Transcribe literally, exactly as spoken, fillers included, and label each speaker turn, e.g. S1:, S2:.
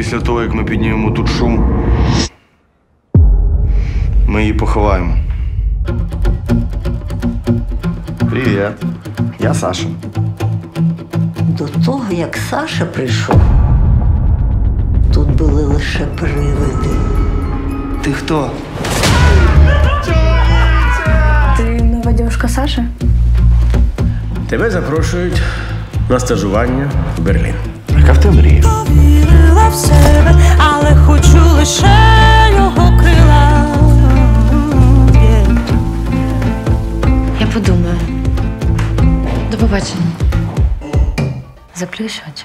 S1: після того, як ми піднімемо тут шум, ми її поховаємо. Привіт. Я Саша.
S2: До того, як Саша прийшов, тут були лише привиди.
S1: Ти хто?
S3: Ти нова дівчинка Саші?
S4: Тебе запрошують на стажування в Берлін.
S1: Яка в тебе мрія?
S5: Повірила в себе, але хочу лише його крила. Yeah.
S3: Я подумаю. До побачення. Заплющ очі.